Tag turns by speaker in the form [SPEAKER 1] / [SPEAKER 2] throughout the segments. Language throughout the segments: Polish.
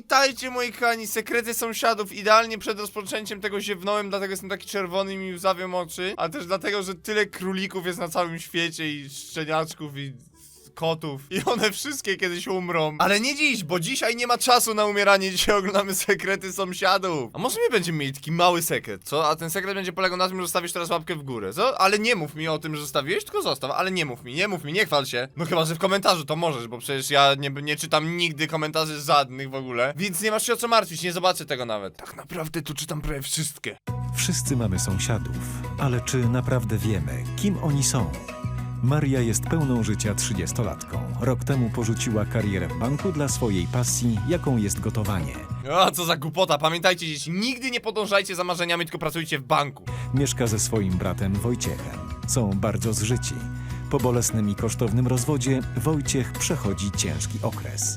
[SPEAKER 1] Pamiętajcie, moi kochani, sekrety sąsiadów. Idealnie przed rozpoczęciem tego ziewnąłem, dlatego jestem taki czerwony i mi łzawią oczy. A też dlatego, że tyle królików jest na całym świecie i szczeniaczków i kotów. I one wszystkie kiedyś umrą. Ale nie dziś, bo dzisiaj nie ma czasu na umieranie. Dzisiaj oglądamy sekrety sąsiadów. A może my będziemy mieli taki mały sekret, co? A ten sekret będzie polegał na tym, że zostawisz teraz łapkę w górę, co? Ale nie mów mi o tym, że zostawiłeś, tylko zostaw. Ale nie mów mi, nie chwal się. No chyba, że w komentarzu to możesz, bo przecież ja nie czytam nigdy komentarzy żadnych w ogóle. Więc nie masz się o co martwić, nie zobaczę tego nawet. Tak naprawdę tu czytam prawie wszystkie.
[SPEAKER 2] Wszyscy mamy sąsiadów, ale czy naprawdę wiemy, kim oni są? Maria jest pełną życia 30-latką. Rok temu porzuciła karierę w banku dla swojej pasji, jaką jest gotowanie.
[SPEAKER 1] A co za głupota, pamiętajcie dzieci, nigdy nie podążajcie za marzeniami, tylko pracujcie w banku.
[SPEAKER 2] Mieszka ze swoim bratem Wojciechem. Są bardzo zżyci. Po bolesnym i kosztownym rozwodzie Wojciech przechodzi ciężki okres.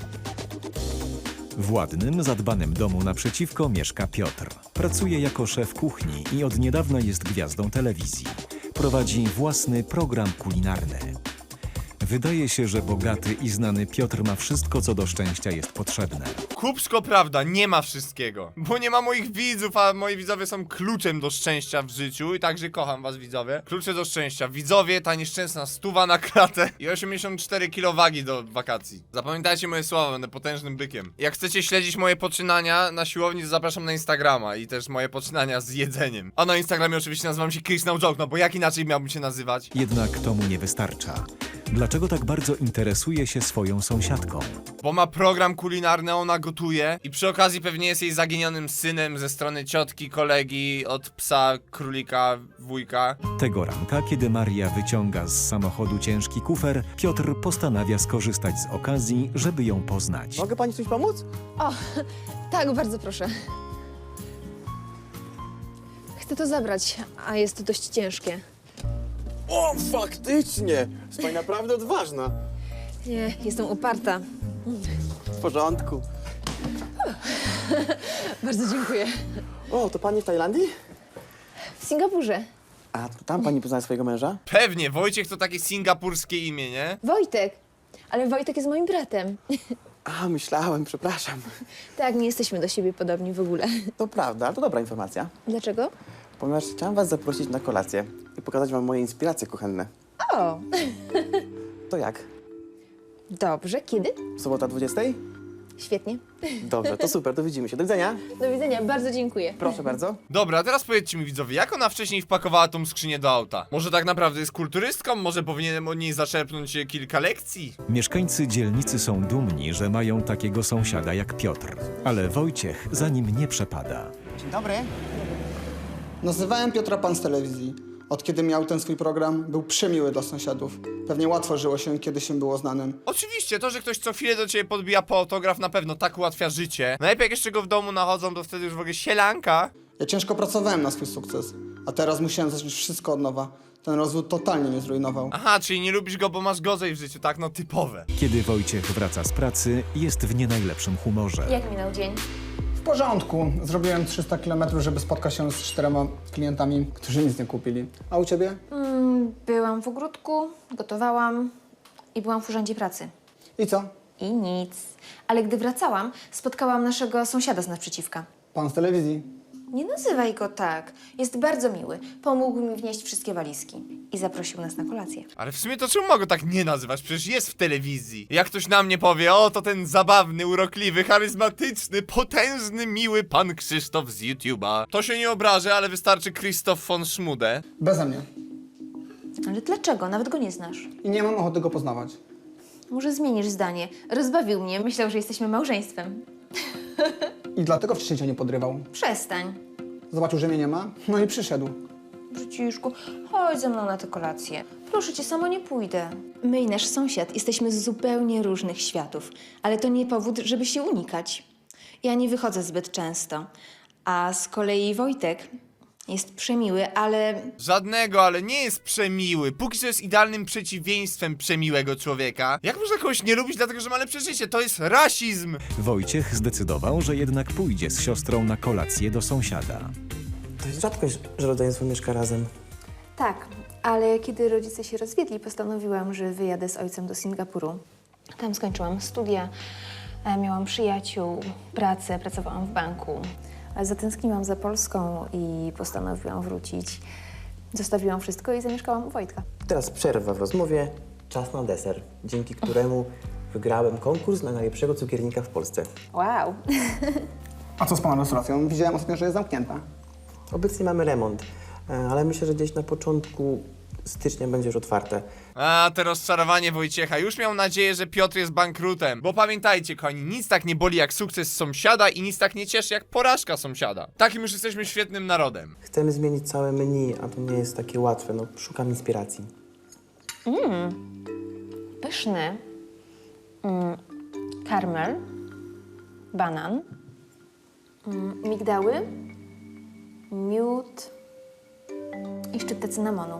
[SPEAKER 2] W ładnym, zadbanym domu naprzeciwko mieszka Piotr. Pracuje jako szef kuchni i od niedawna jest gwiazdą telewizji. Prowadzi własny program kulinarny. Wydaje się, że bogaty i znany Piotr ma wszystko, co do szczęścia jest potrzebne.
[SPEAKER 1] Kupsko prawda, nie ma wszystkiego. Bo nie ma moich widzów, a moi widzowie są kluczem do szczęścia w życiu. I także kocham was, widzowie. Klucze do szczęścia. Widzowie, ta nieszczęsna 100 na klatę i 84 kg wagi do wakacji. Zapamiętajcie moje słowa, będę potężnym bykiem. Jak chcecie śledzić moje poczynania na siłowni, to zapraszam na Instagrama i też moje poczynania z jedzeniem. A na Instagramie oczywiście nazywam się Chris No Joke, no bo jak inaczej miałbym się nazywać?
[SPEAKER 2] Jednak to mu nie wystarcza. Dlaczego tak bardzo interesuje się swoją sąsiadką?
[SPEAKER 1] Bo ma program kulinarny, ona gotuje i przy okazji pewnie jest jej zaginionym synem ze strony ciotki, kolegi, od psa, królika, wujka.
[SPEAKER 2] Tego ranka, kiedy Maria wyciąga z samochodu ciężki kufer, Piotr postanawia skorzystać z okazji, żeby ją poznać.
[SPEAKER 3] Mogę pani coś pomóc?
[SPEAKER 4] O, tak, bardzo proszę. Chcę to zabrać, a jest to dość ciężkie.
[SPEAKER 3] O, faktycznie! Jest pani naprawdę odważna.
[SPEAKER 4] Nie, jestem uparta.
[SPEAKER 3] W porządku.
[SPEAKER 4] Bardzo dziękuję.
[SPEAKER 3] O, to pani w Tajlandii?
[SPEAKER 4] W Singapurze.
[SPEAKER 3] A to tam pani poznała swojego męża?
[SPEAKER 1] Pewnie, Wojciech to takie singapurskie imię, nie?
[SPEAKER 4] Wojtek. Ale Wojtek jest moim bratem.
[SPEAKER 3] A, myślałem, przepraszam.
[SPEAKER 4] Tak, nie jesteśmy do siebie podobni w ogóle.
[SPEAKER 3] To prawda, to dobra informacja.
[SPEAKER 4] Dlaczego?
[SPEAKER 3] Ponieważ chciałem was zaprosić na kolację i pokazać wam moje inspiracje kuchenne.
[SPEAKER 4] O,
[SPEAKER 3] To jak?
[SPEAKER 4] dobrze. Kiedy?
[SPEAKER 3] Sobota 20?
[SPEAKER 4] Świetnie.
[SPEAKER 3] Dobrze, to super, to widzimy się. Do widzenia.
[SPEAKER 4] Do widzenia, bardzo dziękuję.
[SPEAKER 3] Proszę bardzo.
[SPEAKER 1] Dobra, a teraz powiedzcie mi, widzowie, jak ona wcześniej wpakowała tą skrzynię do auta? Może tak naprawdę jest kulturystką? Może powinienem od niej zaczerpnąć kilka lekcji?
[SPEAKER 2] Mieszkańcy dzielnicy są dumni, że mają takiego sąsiada jak Piotr. Ale Wojciech za nim nie przepada.
[SPEAKER 3] Dzień dobry.
[SPEAKER 5] Nazywałem Piotra Pan z telewizji. Od kiedy miał ten swój program, był przemiły dla sąsiadów. Pewnie łatwo żyło się, kiedy się było znanym.
[SPEAKER 1] Oczywiście, to, że ktoś co chwilę do ciebie podbija po autograf, na pewno tak ułatwia życie. Najlepiej jak jeszcze go w domu nachodzą, to wtedy już w ogóle sielanka.
[SPEAKER 5] Ja ciężko pracowałem na swój sukces, a teraz musiałem zacząć wszystko od nowa. Ten rozwód totalnie mnie zrujnował.
[SPEAKER 1] Aha, czyli nie lubisz go, bo masz gorzej w życiu, tak? No typowe.
[SPEAKER 2] Kiedy Wojciech wraca z pracy, jest w nie najlepszym humorze.
[SPEAKER 4] Jak minął dzień?
[SPEAKER 5] W porządku. Zrobiłem 300 km, żeby spotkać się z 4 klientami, którzy nic nie kupili. A u ciebie?
[SPEAKER 4] Byłam w ogródku, gotowałam i byłam w urzędzie pracy.
[SPEAKER 5] I co?
[SPEAKER 4] I nic. Ale gdy wracałam, spotkałam naszego sąsiada z naprzeciwka.
[SPEAKER 5] Pan z telewizji.
[SPEAKER 4] Nie nazywaj go tak. Jest bardzo miły. Pomógł mi wnieść wszystkie walizki. I zaprosił nas na kolację.
[SPEAKER 1] Ale w sumie to czemu mogę tak nie nazywać? Przecież jest w telewizji. Jak ktoś na mnie powie, o to ten zabawny, urokliwy, charyzmatyczny, potężny, miły pan Krzysztof z YouTube'a. To się nie obrażę, ale wystarczy Krzysztof von Schmude.
[SPEAKER 5] Beze mnie.
[SPEAKER 4] Ale dlaczego? Nawet go nie znasz.
[SPEAKER 5] I nie mam ochoty go poznawać.
[SPEAKER 4] Może zmienisz zdanie. Rozbawił mnie. Myślał, że jesteśmy małżeństwem.
[SPEAKER 5] I dlatego wcześniej cię nie podrywał.
[SPEAKER 4] Przestań.
[SPEAKER 5] Zobaczył, że mnie nie ma, no i przyszedł.
[SPEAKER 4] Brzuciszku, chodź ze mną na tę kolację. Proszę cię, sama nie pójdę. My i nasz sąsiad jesteśmy z zupełnie różnych światów, ale to nie powód, żeby się unikać. Ja nie wychodzę zbyt często, a z kolei Wojtek jest przemiły, ale
[SPEAKER 1] Żadnego, ale nie jest przemiły. Póki co jest idealnym przeciwieństwem przemiłego człowieka. Jak można kogoś nie lubić, dlatego że ma lepsze życie? To jest rasizm!
[SPEAKER 2] Wojciech zdecydował, że jednak pójdzie z siostrą na kolację do sąsiada.
[SPEAKER 3] To jest rzadkość, że rodzeństwo mieszka razem.
[SPEAKER 4] tak, ale kiedy rodzice się rozwiedli, postanowiłam, że wyjadę z ojcem do Singapuru. Tam skończyłam studia, Miałam przyjaciół, pracę, pracowałam w banku. Ale zatęskniłam za Polską i postanowiłam wrócić. Zostawiłam wszystko i zamieszkałam u Wojtka.
[SPEAKER 3] Teraz przerwa w rozmowie, czas na deser, dzięki któremu wygrałem konkurs na najlepszego cukiernika w Polsce.
[SPEAKER 4] Wow!
[SPEAKER 5] A co z pana restauracją? Widziałem ostatnio, że jest zamknięta.
[SPEAKER 3] Obecnie mamy remont, ale myślę, że gdzieś na początku stycznia będzie już otwarte.
[SPEAKER 1] A, to rozczarowanie Wojciecha. Już miał nadzieję, że Piotr jest bankrutem. Bo pamiętajcie, kochani, nic tak nie boli jak sukces sąsiada i nic tak nie cieszy jak porażka sąsiada. Takim już jesteśmy świetnym narodem.
[SPEAKER 3] Chcemy zmienić całe menu, a to nie jest takie łatwe, no szukam inspiracji.
[SPEAKER 4] Pyszny. Karmel. Banan. Migdały. Miód. I szczyptę cynamonu.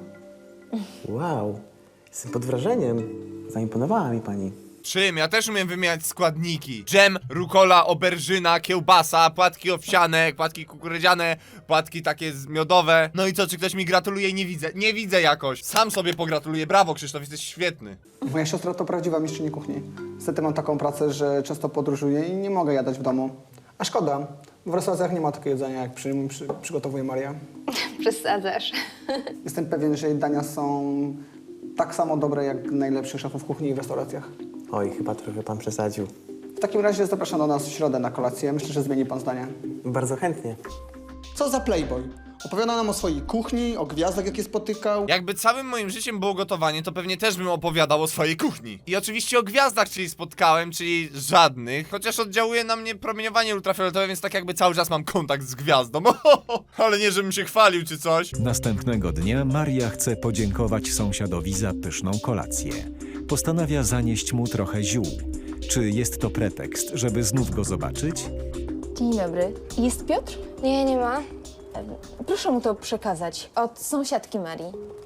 [SPEAKER 3] Wow, jestem pod wrażeniem. Zaimponowała mi pani.
[SPEAKER 1] Czym? Ja też umiem wymieniać składniki. Dżem, rukola, oberżyna, kiełbasa, płatki owsiane, płatki kukurydziane, płatki takie miodowe. No i co, czy ktoś mi gratuluje? Nie widzę. Nie widzę jakoś. Sam sobie pogratuluję. Brawo, Krzysztof, jesteś świetny.
[SPEAKER 5] Moja siostra to prawdziwa mistrzyni kuchni. Niestety mam taką pracę, że często podróżuję i nie mogę jadać w domu. A szkoda, w restauracjach nie ma takiego jedzenia, jak przygotowuje Maria.
[SPEAKER 4] Przesadzasz.
[SPEAKER 5] Jestem pewien, że jej dania są tak samo dobre jak najlepszych szefów kuchni i w restauracjach.
[SPEAKER 3] Oj, chyba trochę pan przesadził.
[SPEAKER 5] W takim razie zapraszam do nas w środę na kolację. Myślę, że zmieni pan zdanie.
[SPEAKER 3] Bardzo chętnie.
[SPEAKER 5] Co za playboy? Opowiada nam o swojej kuchni, o gwiazdach, jakie spotykał.
[SPEAKER 1] Jakby całym moim życiem było gotowanie, to pewnie też bym opowiadał o swojej kuchni. I oczywiście o gwiazdach, czyli spotkałem, czyli żadnych. Chociaż oddziałuje na mnie promieniowanie ultrafioletowe, więc tak jakby cały czas mam kontakt z gwiazdą. Ale nie, żebym się chwalił czy coś.
[SPEAKER 2] Następnego dnia Maria chce podziękować sąsiadowi za pyszną kolację. Postanawia zanieść mu trochę ziół. Czy jest to pretekst, żeby znów go zobaczyć?
[SPEAKER 4] Dzień dobry. Jest Piotr?
[SPEAKER 6] Nie, nie ma.
[SPEAKER 4] Proszę mu to przekazać. Od sąsiadki Marii.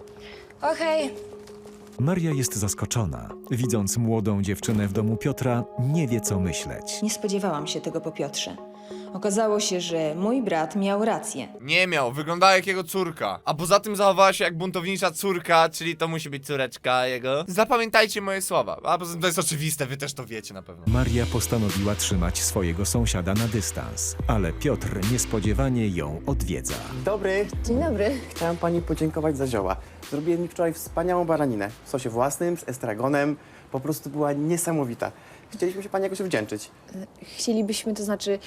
[SPEAKER 6] Okej.
[SPEAKER 2] Maria jest zaskoczona. Widząc młodą dziewczynę w domu Piotra, nie wie co myśleć.
[SPEAKER 4] Nie spodziewałam się tego po Piotrze. Okazało się, że mój brat miał rację.
[SPEAKER 1] Nie miał, wyglądała jak jego córka. A poza tym zachowała się jak buntownicza córka, czyli to musi być córeczka jego. Zapamiętajcie moje słowa. A poza tym to jest oczywiste, wy też to wiecie na pewno.
[SPEAKER 2] Maria postanowiła trzymać swojego sąsiada na dystans, ale Piotr niespodziewanie ją odwiedza.
[SPEAKER 3] Dobry,
[SPEAKER 4] Dzień dobry.
[SPEAKER 3] chciałem pani podziękować za zioła. Zrobiłem mi wczoraj wspaniałą baraninę w sosie własnym, z estragonem. Po prostu była niesamowita. Chcieliśmy się pani jakoś wdzięczyć.
[SPEAKER 4] Chcielibyśmy, to znaczy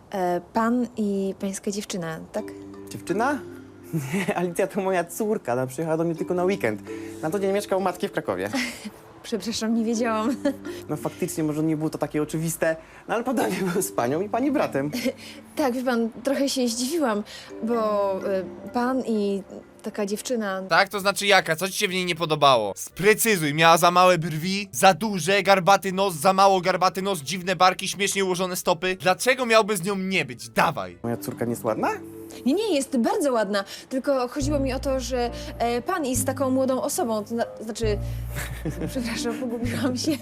[SPEAKER 4] pan i pańska dziewczyna, tak?
[SPEAKER 3] Dziewczyna? Nie, Alicja to moja córka. Ona przyjechała do mnie tylko na weekend. Na to dzień mieszka u matki w Krakowie.
[SPEAKER 4] Przepraszam, nie wiedziałam.
[SPEAKER 3] No faktycznie, może nie było to takie oczywiste, no ale podobnie był z panią i pani bratem.
[SPEAKER 4] Tak, wie pan, trochę się zdziwiłam, bo pan i taka dziewczyna...
[SPEAKER 1] Tak, to znaczy jaka? Co ci się w niej nie podobało? Sprecyzuj, miała za małe brwi, za duże, garbaty nos, za mało garbaty nos, dziwne barki, śmiesznie ułożone stopy. Dlaczego miałby z nią nie być? Dawaj.
[SPEAKER 3] Moja córka nie jest ładna?
[SPEAKER 4] Nie, jest bardzo ładna, tylko chodziło mi o to, że pan jest taką młodą osobą, to znaczy... Przepraszam, pogubiłam się.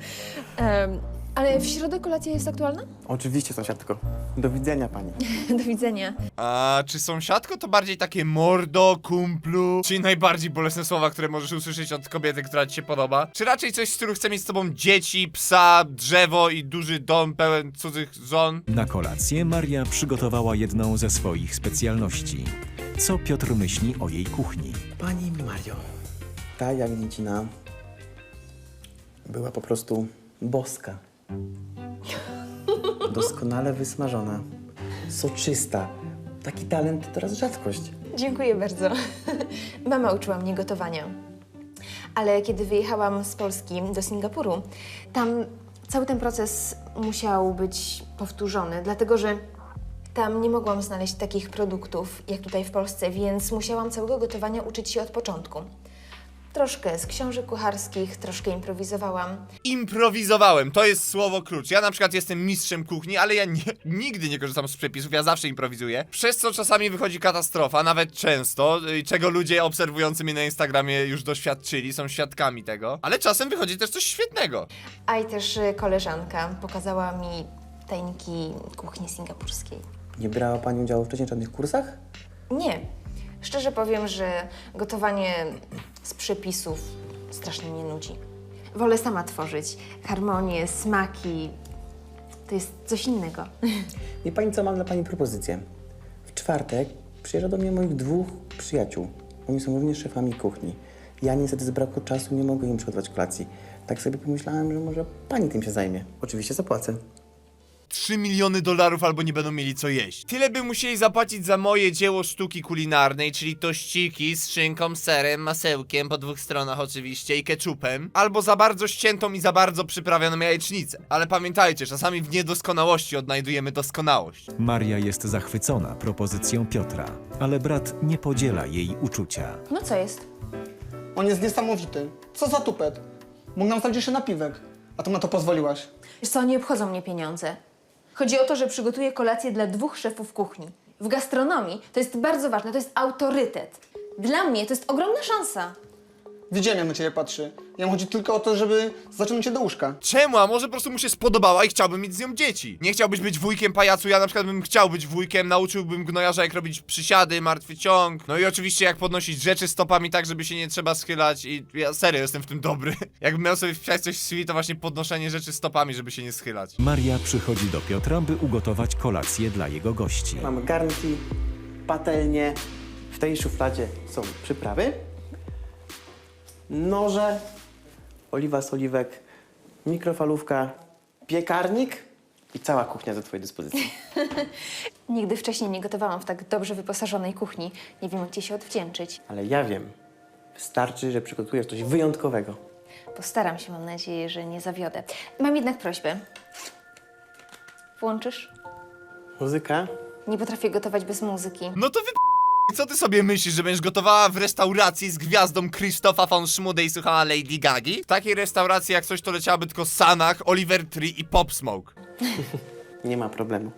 [SPEAKER 4] Ale w środę kolacja jest aktualna?
[SPEAKER 3] Oczywiście, sąsiadko. Do widzenia pani.
[SPEAKER 4] Do widzenia.
[SPEAKER 1] A czy sąsiadko to bardziej takie mordo, kumplu? Czyli najbardziej bolesne słowa, które możesz usłyszeć od kobiety, która ci się podoba? Czy raczej coś, z których chce mieć z tobą dzieci, psa, drzewo i duży dom pełen cudzych żon?
[SPEAKER 2] Na kolację Maria przygotowała jedną ze swoich specjalności. Co Piotr myśli o jej kuchni?
[SPEAKER 3] Pani Mario, ta jagnięcina była po prostu boska. Doskonale wysmażona, soczysta. Taki talent to teraz rzadkość.
[SPEAKER 4] Dziękuję bardzo. Mama uczyła mnie gotowania. Ale kiedy wyjechałam z Polski do Singapuru, tam cały ten proces musiał być powtórzony, dlatego że tam nie mogłam znaleźć takich produktów jak tutaj w Polsce, więc musiałam całego gotowania uczyć się od początku. Troszkę z książek kucharskich, troszkę improwizowałam.
[SPEAKER 1] Improwizowałem, to jest słowo klucz. Ja na przykład jestem mistrzem kuchni, ale ja nigdy nie korzystam z przepisów, ja zawsze improwizuję. Przez co czasami wychodzi katastrofa, nawet często, czego ludzie obserwujący mnie na Instagramie już doświadczyli, są świadkami tego. Ale czasem wychodzi też coś świetnego.
[SPEAKER 4] A i też koleżanka pokazała mi tajniki kuchni singapurskiej.
[SPEAKER 3] Nie brała pani udziału wcześniej w żadnych kursach?
[SPEAKER 4] Nie. Szczerze powiem, że gotowanie z przepisów strasznie mnie nudzi. Wolę sama tworzyć harmonię, smaki, To jest coś innego.
[SPEAKER 3] Wie pani co, mam dla pani propozycję. W czwartek przyjeżdża do mnie moich 2 przyjaciół. Oni są również szefami kuchni. Ja niestety z braku czasu nie mogę im przygotować kolacji. Tak sobie pomyślałem, że może pani tym się zajmie. Oczywiście zapłacę.
[SPEAKER 1] 3 miliony dolarów albo nie będą mieli co jeść. Tyle by musieli zapłacić za moje dzieło sztuki kulinarnej, czyli tościki z szynką, serem, masełkiem, po 2 stronach oczywiście i ketchupem, albo za bardzo ściętą i za bardzo przyprawioną jajecznicę. Ale pamiętajcie, czasami w niedoskonałości odnajdujemy doskonałość.
[SPEAKER 2] Maria jest zachwycona propozycją Piotra, ale brat nie podziela jej uczucia.
[SPEAKER 4] No co jest?
[SPEAKER 5] On jest niesamowity. Co za tupet. Mógł nam stać jeszcze napiwek. A to na to pozwoliłaś.
[SPEAKER 4] Wiesz co, nie obchodzą mnie pieniądze. Chodzi o to, że przygotuję kolację dla 2 szefów kuchni. W gastronomii to jest bardzo ważne, to jest autorytet. Dla mnie to jest ogromna szansa.
[SPEAKER 5] Widziałem, jak na ciebie patrzy. Jemu chodzi tylko o to, żeby zaciągnąć cię do łóżka.
[SPEAKER 1] Czemu? A może po prostu mu się spodobała i chciałbym mieć z nią dzieci? Nie chciałbyś być wujkiem pajacu, ja na przykład bym chciał być wujkiem, nauczyłbym gnojarza jak robić przysiady, martwy ciąg, no i oczywiście jak podnosić rzeczy stopami tak, żeby się nie trzeba schylać i ja serio jestem w tym dobry. Jakbym miał sobie wpisać coś w CV, to właśnie podnoszenie rzeczy stopami, żeby się nie schylać.
[SPEAKER 2] Maria przychodzi do Piotra, by ugotować kolację dla jego gości.
[SPEAKER 3] Mamy garnki, patelnie. W tej szufladzie są przyprawy, noże, oliwa z oliwek, mikrofalówka, piekarnik i cała kuchnia do twojej dyspozycji.
[SPEAKER 4] Nigdy wcześniej nie gotowałam w tak dobrze wyposażonej kuchni. Nie wiem, jak ci się odwdzięczyć.
[SPEAKER 3] Ale ja wiem, wystarczy, że przygotujesz coś wyjątkowego.
[SPEAKER 4] Postaram się, mam nadzieję, że nie zawiodę. Mam jednak prośbę. Włączysz?
[SPEAKER 3] Muzyka?
[SPEAKER 4] Nie potrafię gotować bez muzyki.
[SPEAKER 1] No to co ty sobie myślisz, że będziesz gotowała w restauracji z gwiazdą Krzysztofa von Schmude i słuchała Lady Gagi? W takiej restauracji jak coś to leciałaby tylko Sanach, Oliver Tree i Pop Smoke.
[SPEAKER 3] Nie ma problemu.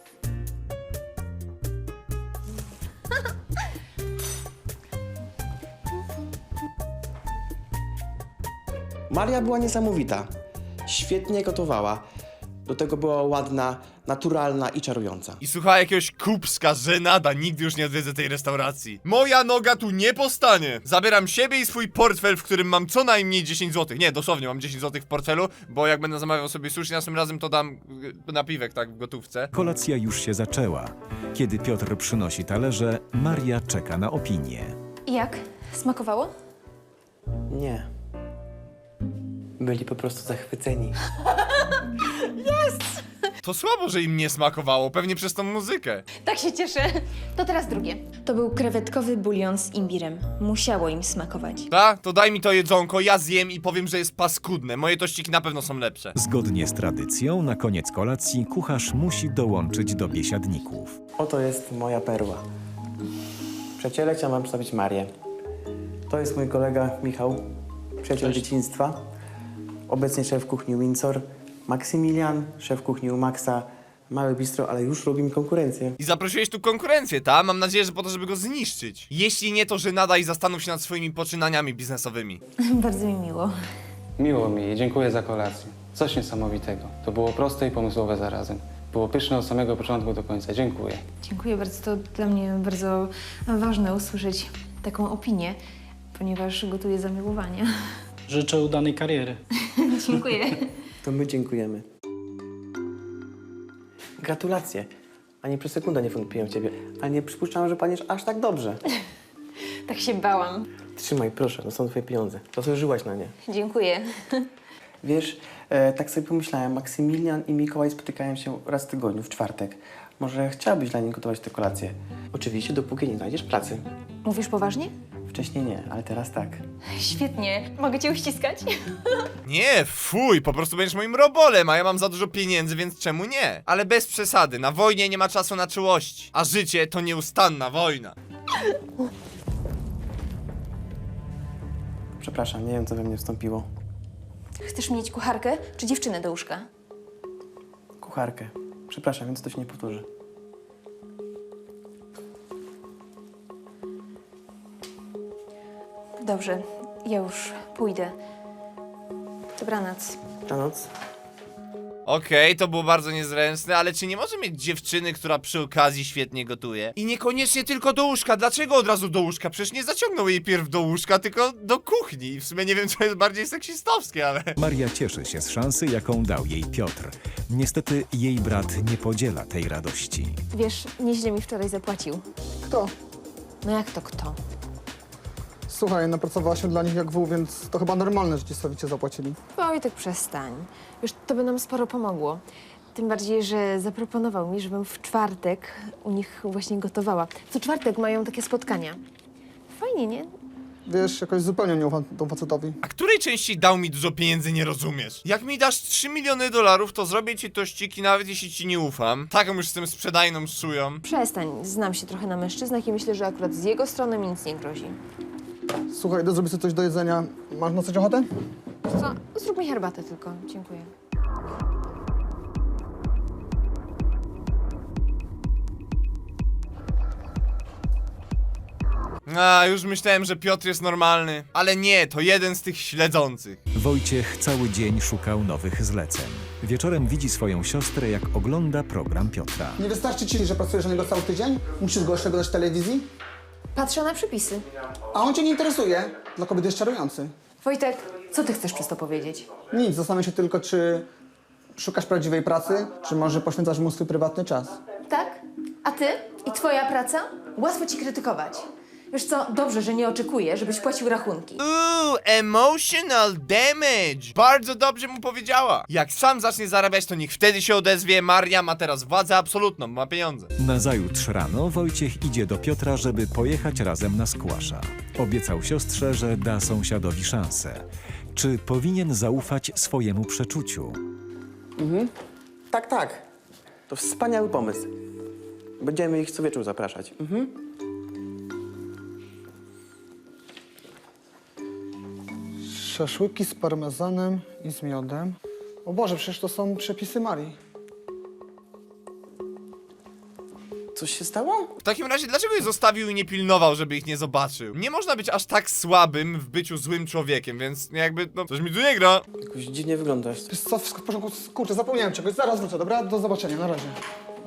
[SPEAKER 3] Maria była niesamowita. Świetnie gotowała. Do tego była ładna, naturalna i czarująca.
[SPEAKER 1] I słuchała jakiegoś kupska, żenada, nigdy już nie odwiedzę tej restauracji. Moja noga tu nie postanie. Zabieram siebie i swój portfel, w którym mam co najmniej 10 zł. Nie, dosłownie mam 10 zł w portfelu, bo jak będę zamawiał sobie sushi następnym razem, to dam napiwek, tak, w gotówce.
[SPEAKER 2] Kolacja już się zaczęła. Kiedy Piotr przynosi talerze, Maria czeka na opinię.
[SPEAKER 4] I jak? Smakowało?
[SPEAKER 3] Nie. Byli po prostu zachwyceni.
[SPEAKER 1] To słabo, że im nie smakowało, pewnie przez tą muzykę.
[SPEAKER 4] Tak się cieszę. To teraz drugie. To był krewetkowy bulion z imbirem. Musiało im smakować.
[SPEAKER 1] Ta? To daj mi to jedzonko, ja zjem i powiem, że jest paskudne. Moje tościki na pewno są lepsze.
[SPEAKER 2] Zgodnie z tradycją, na koniec kolacji kucharz musi dołączyć do biesiadników.
[SPEAKER 3] Oto jest moja perła. Przyjaciele, chciałem wam przedstawić Marię. To jest mój kolega Michał, przyjaciel dzieciństwa. Obecnie szef kuchni Windsor. Maksymilian, szef kuchni u Maxa. Małe bistro, ale już robi mi konkurencję.
[SPEAKER 1] I zaprosiłeś tu konkurencję, ta? Mam nadzieję, że po to, żeby go zniszczyć. Jeśli nie, to żenada i zastanów się nad swoimi poczynaniami biznesowymi.
[SPEAKER 4] Bardzo mi miło.
[SPEAKER 7] Miło mi i dziękuję za kolację. Coś niesamowitego. To było proste i pomysłowe zarazem. Było pyszne od samego początku do końca. Dziękuję.
[SPEAKER 4] Dziękuję bardzo. To dla mnie bardzo ważne usłyszeć taką opinię, ponieważ gotuję zamiłowania.
[SPEAKER 8] Życzę udanej kariery.
[SPEAKER 4] Dziękuję.
[SPEAKER 3] To my dziękujemy. Gratulacje. Ani przez sekundę nie wątpiłem w ciebie, ale nie przypuszczałem, że paniesz aż tak dobrze.
[SPEAKER 4] Tak się bałam.
[SPEAKER 3] Trzymaj, proszę, to są twoje pieniądze. Zasłużyłaś na nie.
[SPEAKER 4] Dziękuję.
[SPEAKER 3] Wiesz, tak sobie pomyślałem, Maksymilian i Mikołaj spotykają się raz w tygodniu, w czwartek. Może chciałabyś dla nich gotować te kolacje? Oczywiście, dopóki nie znajdziesz pracy.
[SPEAKER 4] Mówisz poważnie?
[SPEAKER 3] Wcześniej nie, ale teraz tak.
[SPEAKER 4] Świetnie. Mogę cię uściskać?
[SPEAKER 1] Nie, fuj, po prostu będziesz moim robolem, a ja mam za dużo pieniędzy, więc czemu nie? Ale bez przesady, na wojnie nie ma czasu na czułości, a życie to nieustanna wojna.
[SPEAKER 3] Przepraszam, nie wiem, co we mnie wstąpiło.
[SPEAKER 4] Chcesz mieć kucharkę czy dziewczynę do łóżka?
[SPEAKER 3] Kucharkę. Przepraszam, więc to się nie powtórzy.
[SPEAKER 4] Dobrze, ja już pójdę. Dobranoc.
[SPEAKER 3] Dobranoc.
[SPEAKER 1] Okej, to było bardzo niezręczne, ale czy nie może mieć dziewczyny, która przy okazji świetnie gotuje? I niekoniecznie tylko do łóżka, dlaczego od razu do łóżka? Przecież nie zaciągnął jej pierw do łóżka, tylko do kuchni. I w sumie nie wiem, co jest bardziej seksistowskie, ale...
[SPEAKER 2] Maria cieszy się z szansy, jaką dał jej Piotr. Niestety jej brat nie podziela tej radości.
[SPEAKER 4] Wiesz, nieźle mi wczoraj zapłacił.
[SPEAKER 5] Kto?
[SPEAKER 4] No jak to kto?
[SPEAKER 5] Słuchaj, napracowała się dla nich jak wół, więc to chyba normalne, że ci sowicie zapłacili.
[SPEAKER 4] Wojtek, przestań. Wiesz, to by nam sporo pomogło. Tym bardziej, że zaproponował mi, żebym w czwartek u nich właśnie gotowała. Co czwartek mają takie spotkania. Fajnie, nie?
[SPEAKER 5] Wiesz, jakoś zupełnie nie ufam temu facetowi.
[SPEAKER 1] A której części dał mi dużo pieniędzy, nie rozumiesz? Jak mi dasz 3 miliony $, to zrobię ci tościki, nawet jeśli ci nie ufam. Taką już z tym sprzedajną szują.
[SPEAKER 4] Przestań, znam się trochę na mężczyznach i myślę, że akurat z jego strony mi nic nie grozi.
[SPEAKER 5] Słuchaj, idę zrobić sobie coś do jedzenia. Masz na coś ochotę?
[SPEAKER 4] Co? Zrób mi herbatę tylko. Dziękuję.
[SPEAKER 1] A, już myślałem, że Piotr jest normalny. Ale nie, to jeden z tych śledzących.
[SPEAKER 2] Wojciech cały dzień szukał nowych zleceń. Wieczorem widzi swoją siostrę, jak ogląda program Piotra.
[SPEAKER 5] Nie wystarczy ci, że pracujesz na niego cały tydzień? Musisz go jeszcze oglądać w telewizji?
[SPEAKER 4] Patrzę na przepisy.
[SPEAKER 5] A on cię nie interesuje. Dla kobiety jest czarujący.
[SPEAKER 4] Wojtek, co ty chcesz przez to powiedzieć?
[SPEAKER 5] Nic, zastanawiam się tylko, czy szukasz prawdziwej pracy, czy może poświęcasz mu swój prywatny czas.
[SPEAKER 4] Tak? A ty? I twoja praca? Łatwo ci krytykować. Wiesz co, dobrze, że nie oczekuję, żebyś płacił rachunki.
[SPEAKER 1] Emotional damage. Bardzo dobrze mu powiedziała. Jak sam zacznie zarabiać, to niech wtedy się odezwie. Maria ma teraz władzę absolutną, ma pieniądze.
[SPEAKER 2] Nazajutrz rano Wojciech idzie do Piotra, żeby pojechać razem na squasha. Obiecał siostrze, że da sąsiadowi szansę. Czy powinien zaufać swojemu przeczuciu?
[SPEAKER 3] Tak, tak. To wspaniały pomysł. Będziemy ich co wieczór zapraszać.
[SPEAKER 5] Szaszłyki z parmezanem i z miodem. O Boże, przecież to są przepisy Marii.
[SPEAKER 3] Coś się stało?
[SPEAKER 1] W takim razie, dlaczego je zostawił i nie pilnował, żeby ich nie zobaczył? Nie można być aż tak słabym w byciu złym człowiekiem, więc jakby, no, coś mi tu nie gra.
[SPEAKER 3] Jakoś dziwnie wyglądasz.
[SPEAKER 5] Wiesz co, wszystko w porządku? Kurczę, zapomniałem czegoś. Zaraz wrócę, dobra? Do zobaczenia, na razie.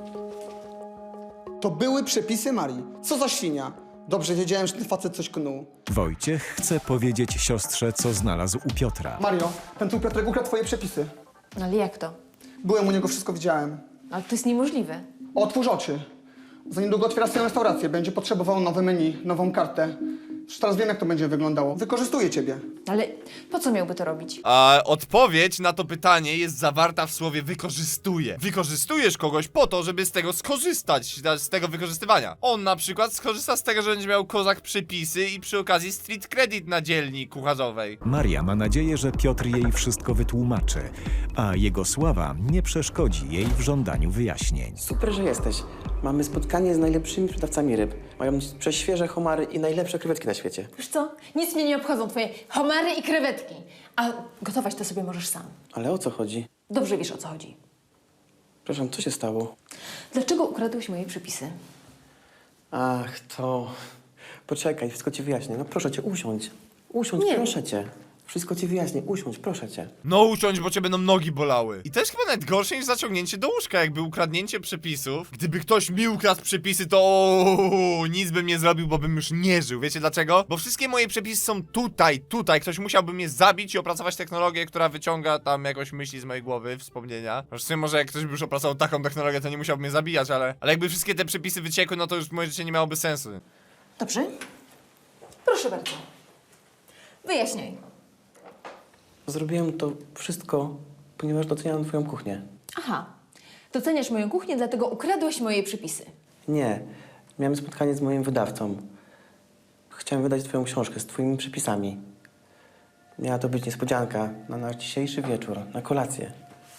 [SPEAKER 5] To były przepisy Marii. Co za świnia. Dobrze wiedziałem, że ten facet coś knuł.
[SPEAKER 2] Wojciech chce powiedzieć siostrze, co znalazł u Piotra.
[SPEAKER 5] Mario, ten tu Piotrek ukradł twoje przepisy.
[SPEAKER 4] No ale jak to?
[SPEAKER 5] Byłem u niego, wszystko widziałem.
[SPEAKER 4] Ale to jest niemożliwe.
[SPEAKER 5] Otwórz oczy. Za niedługo otwiera swoją restaurację. Będzie potrzebował nowe menu, nową kartę. Już teraz wiem, jak to będzie wyglądało. Wykorzystuje ciebie.
[SPEAKER 4] Ale po co miałby to robić?
[SPEAKER 1] A odpowiedź na to pytanie jest zawarta w słowie wykorzystuje. Wykorzystujesz kogoś po to, żeby z tego skorzystać, z tego wykorzystywania. On na przykład skorzysta z tego, że będzie miał kozak przepisy i przy okazji street credit na dzielni kucharzowej.
[SPEAKER 2] Maria ma nadzieję, że Piotr jej wszystko wytłumaczy, a jego sława nie przeszkodzi jej w żądaniu wyjaśnień.
[SPEAKER 3] Super, że jesteś. Mamy spotkanie z najlepszymi sprzedawcami ryb. Mają prześwieże homary i najlepsze krewetki na świecie.
[SPEAKER 4] Wiesz co? Nic mnie nie obchodzą twoje homary i krewetki. A gotować to sobie możesz sam.
[SPEAKER 3] Ale o co chodzi?
[SPEAKER 4] Dobrze wiesz, o co chodzi.
[SPEAKER 3] Przepraszam, co się stało?
[SPEAKER 4] Dlaczego ukradłeś moje przepisy?
[SPEAKER 3] Ach, to... Poczekaj, wszystko ci wyjaśnię. No proszę cię, usiądź. Usiądź,
[SPEAKER 4] Nie.
[SPEAKER 3] proszę cię. Wszystko ci wyjaśnię, usiądź, proszę cię.
[SPEAKER 1] No usiądź, bo cię będą nogi bolały. I to jest chyba nawet gorsze niż zaciągnięcie do łóżka, jakby ukradnięcie przepisów. Gdyby ktoś mi ukradł przepisy, to nic bym nie zrobił, bo bym już nie żył. Wiecie dlaczego? Bo wszystkie moje przepisy są tutaj. Ktoś musiałby mnie zabić i opracować technologię, która wyciąga tam jakoś myśli z mojej głowy, wspomnienia. Zresztą może jak ktoś by już opracował taką technologię, to nie musiałby mnie zabijać, ale jakby wszystkie te przepisy wyciekły, no to już moje życie nie miałoby sensu.
[SPEAKER 4] Dobrze? Proszę bardzo. Wyjaśniaj.
[SPEAKER 3] Zrobiłem to wszystko, ponieważ doceniam twoją kuchnię.
[SPEAKER 4] Aha. Doceniasz moją kuchnię, dlatego ukradłeś moje przepisy.
[SPEAKER 3] Nie, miałem spotkanie z moim wydawcą. Chciałem wydać twoją książkę z twoimi przepisami. Miała to być niespodzianka na nasz dzisiejszy wieczór, na kolację.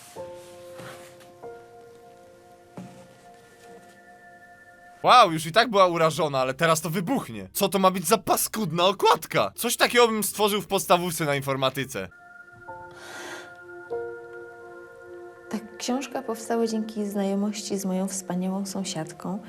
[SPEAKER 1] Wow, już i tak była urażona, ale teraz to wybuchnie. Co to ma być za paskudna okładka? Coś takiego bym stworzył w podstawówce na informatyce.
[SPEAKER 4] Ta książka powstała dzięki znajomości z moją wspaniałą sąsiadką.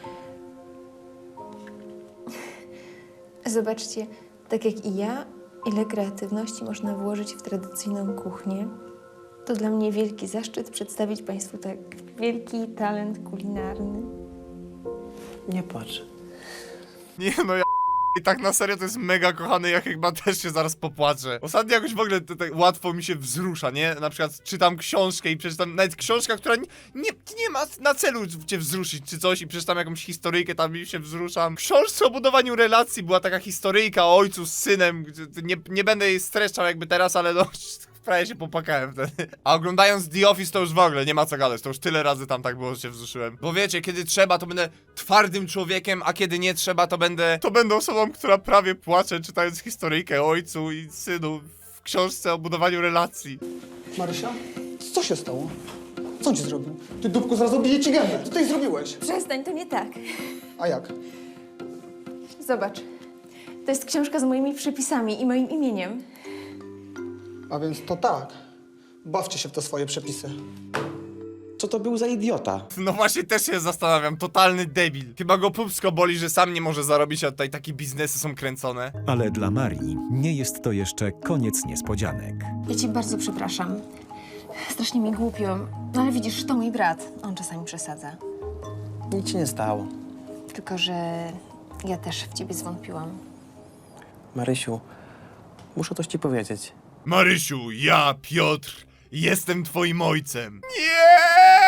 [SPEAKER 4] Zobaczcie, tak jak i ja, ile kreatywności można włożyć w tradycyjną kuchnię. To dla mnie wielki zaszczyt przedstawić Państwu tak wielki talent kulinarny.
[SPEAKER 3] Nie płacz.
[SPEAKER 1] Nie no, ja i tak na serio to jest mega kochane, ja chyba też się zaraz popłaczę. Ostatnio jakoś w ogóle tak łatwo mi się wzrusza, nie? Na przykład czytam książkę i przeczytam, nawet książka, która nie ma na celu cię wzruszyć czy coś i przeczytam jakąś historyjkę, tam i się wzruszam. W książce o budowaniu relacji była taka historyjka o ojcu z synem, nie będę jej streszczał jakby teraz, ale no... Prawie się popłakałem wtedy. A oglądając The Office to już w ogóle nie ma co gadać, to już tyle razy tam tak było, że się wzruszyłem. Bo wiecie, kiedy trzeba, to będę twardym człowiekiem, a kiedy nie trzeba, to będę osobą, która prawie płacze, czytając historyjkę o ojcu i synu w książce o budowaniu relacji.
[SPEAKER 5] Marysia, co się stało? Co on ci zrobił? Ty, dupku, zaraz obiję ci gębę. Co ty jej zrobiłeś?
[SPEAKER 4] Przestań, to nie tak.
[SPEAKER 5] A jak?
[SPEAKER 4] Zobacz. To jest książka z moimi przepisami i moim imieniem.
[SPEAKER 5] A więc to tak. Bawcie się w te swoje przepisy.
[SPEAKER 3] Co to był za idiota?
[SPEAKER 1] No właśnie też się zastanawiam, totalny debil. Chyba go pupsko boli, że sam nie może zarobić, a tutaj takie biznesy są kręcone.
[SPEAKER 2] Ale dla Marii nie jest to jeszcze koniec niespodzianek.
[SPEAKER 4] Ja cię bardzo przepraszam. Strasznie mi głupio. No ale widzisz, to mój brat. On czasami przesadza.
[SPEAKER 3] Nic się nie stało.
[SPEAKER 4] Tylko, że ja też w ciebie zwątpiłam.
[SPEAKER 3] Marysiu, muszę coś ci powiedzieć.
[SPEAKER 1] Marysiu, ja, Piotr, jestem twoim ojcem. Nie!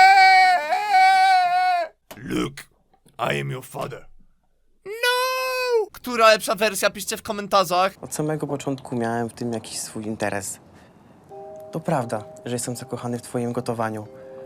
[SPEAKER 1] Luke, I am your father. No! Która lepsza wersja? Piszcie w komentarzach.
[SPEAKER 3] Od samego początku miałem w tym jakiś swój interes. To prawda, że jestem zakochany w twoim gotowaniu.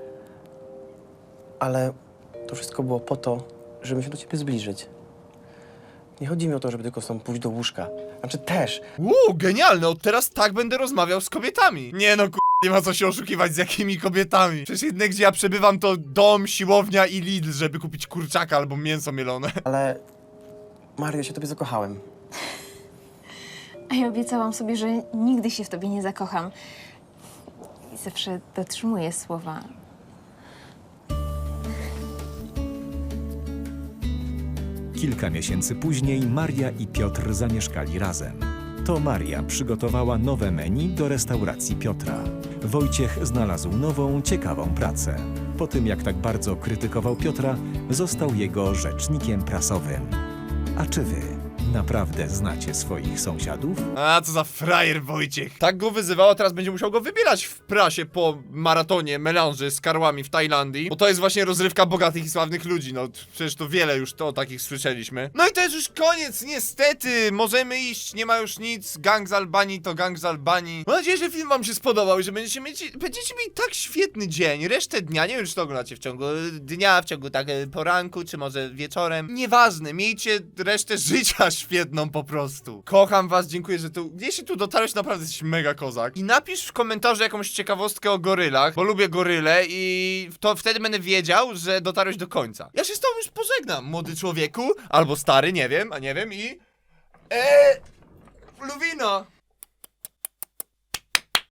[SPEAKER 3] Ale to wszystko było po to, żeby się do ciebie zbliżyć. Nie chodzi mi o to, żeby tylko stąd pójść do łóżka. Znaczy też.
[SPEAKER 1] Genialne, od teraz tak będę rozmawiał z kobietami. Nie no, nie ma co się oszukiwać z jakimi kobietami. Przecież jedyne, gdzie ja przebywam, to dom, siłownia i Lidl, żeby kupić kurczaka albo mięso mielone.
[SPEAKER 3] Ale Mario, ja się tobie zakochałem.
[SPEAKER 4] A ja obiecałam sobie, że nigdy się w tobie nie zakocham. I zawsze dotrzymuję słowa.
[SPEAKER 2] Kilka miesięcy później Maria i Piotr zamieszkali razem. To Maria przygotowała nowe menu do restauracji Piotra. Wojciech znalazł nową, ciekawą pracę. Po tym, jak tak bardzo krytykował Piotra, został jego rzecznikiem prasowym. A czy wy naprawdę znacie swoich sąsiadów?
[SPEAKER 1] A, co za frajer Wojciech. Tak go wyzywał, a teraz będzie musiał go wybierać w prasie po maratonie melanży z karłami w Tajlandii. Bo to jest właśnie rozrywka bogatych i sławnych ludzi, no przecież to wiele już to o takich słyszeliśmy. No i to jest już koniec, niestety. Możemy iść, nie ma już nic. Gang z Albanii to gang z Albanii. Mam nadzieję, że film wam się spodobał i że będziecie mieli tak świetny dzień. Resztę dnia, nie wiem, czy to oglądacie w ciągu dnia, w ciągu tak poranku, czy może wieczorem. Nieważne, miejcie resztę życia świetną po prostu. Kocham was, dziękuję, że tu... Jeśli tu dotarłeś, naprawdę jesteś mega kozak. I napisz w komentarzu jakąś ciekawostkę o gorylach, bo lubię goryle i to wtedy będę wiedział, że dotarłeś do końca. Ja się z tobą już pożegnam, młody człowieku, albo stary, nie wiem, i... Luwino!